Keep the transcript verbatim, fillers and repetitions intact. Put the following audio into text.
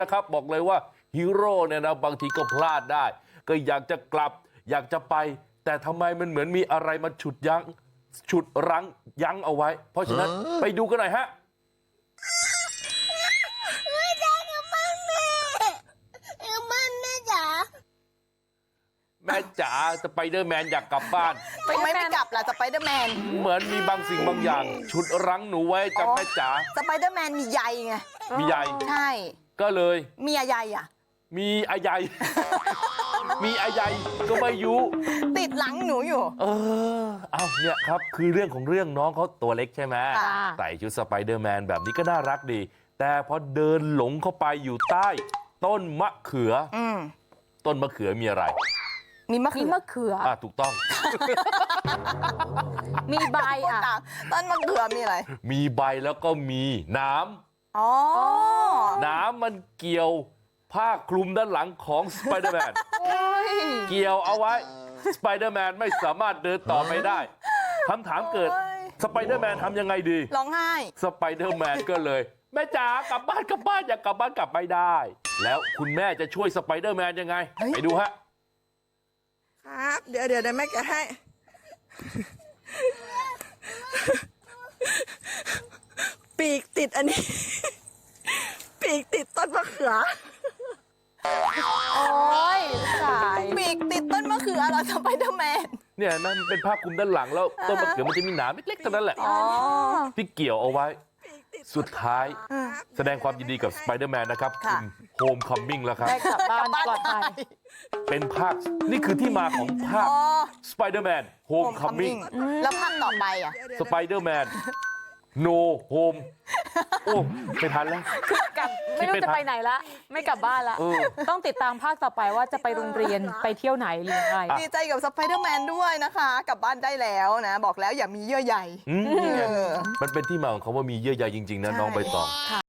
นะครับบอกเลยว่าฮีโร่เนี่ยนะบางทีก็พลาดได้ก็อยากจะกลับอยากจะไปแต่ทำไมมันเหมือนมีอะไรมาฉุดยั้งฉุดรั้งยั้งเอาไว้เพราะฉะนั้นไปดูกันหน่อยฮะแม่จ๋าสไปเดอร์แมนอยากกลับบ้านทำไมไม่กลับล่ะสไปเดอร์แมนเหมือนมีบางสิ่งบางอย่างฉุดรั้งหนูไว้จ้ะแม่จ๋าสไปเดอร์แมนมีใยไงมีใยใช่ก็เลยมีอะไรอ่ะมีอะไรมีอะไรก็ไม่ยุติดหลังหนูอยู่เออเอาเนี่ยครับคือเรื่องของเรื่องน้องเขาตัวเล็กใช่ไหมใส่ชุดสไปเดอร์แมนแบบนี้ก็น่ารักดีแต่พอเดินหลงเข้าไปอยู่ใต้ต้นมะเขือต้นมะเขือมีอะไรมีมะเขือมะเขืออ่ะถูกต้องมีใบอ่ะต้นมะเขือมีอะไรมีใบแล้วก็มีน้ำอ๋อน้ำมันเกี่ยวผ้าคลุมด้านหลังของสไปเดอร์แมนเกี่ยวเอาไว้สไปเดอร์แมนไม่สามารถเดินต่อไปได้คำถามเกิดสไปเดอร์แมนทำยังไงดีร้องไห้สไปเดอร์แมนก็เลยแม่จ๋ากลับบ้านกลับบ้านอยากกลับบ้านกลับไม่ได้แล้วคุณแม่จะช่วยสไปเดอร์แมนยังไงไปดูฮะครับเดี๋ยวเดี๋ยวแม่แกะให้ปีกติดอันนี้ปีกติดต้นมะเขือโอ้ยสายปีกติดต้นมะเขือเหรอสไปเดอร์แมนเนี่ยมันเป็นผ้าคลุมด้านหลังแล้วต้นมะเขือมันจะมีหนามเล็กๆเท่านั้นแหละที่เกี่ยวเอาไว้สุดท้ายแสดงความยินดีกับสไปเดอร์แมนนะครับคุณโฮมคัมมิ่งแล้วครับได้กลับบ้านปลอดภัยเป็นภาคนี่คือที่มาของภาคสไปเดอร์แมนโฮมคัมมิ่งแล้วภาคต่อไปอ่ะสไปเดอร์แมนโนโฮมโอ้ไม่ทันแล้วกลับไม่รู้จะไปไหนละไม่กลับบ้านละต้องติดตามภาคต่อไปว่าจะไปโรงเรียนไปเที่ยวไหนหรือไงดีใจกับสไปเดอร์แมนด้วยนะคะกลับบ้านได้แล้วนะบอกแล้วอย่ามีเยื่อใยมันเป็นที่มาของคำว่ามีเยื่อใยจริงๆนะน้องใบตอง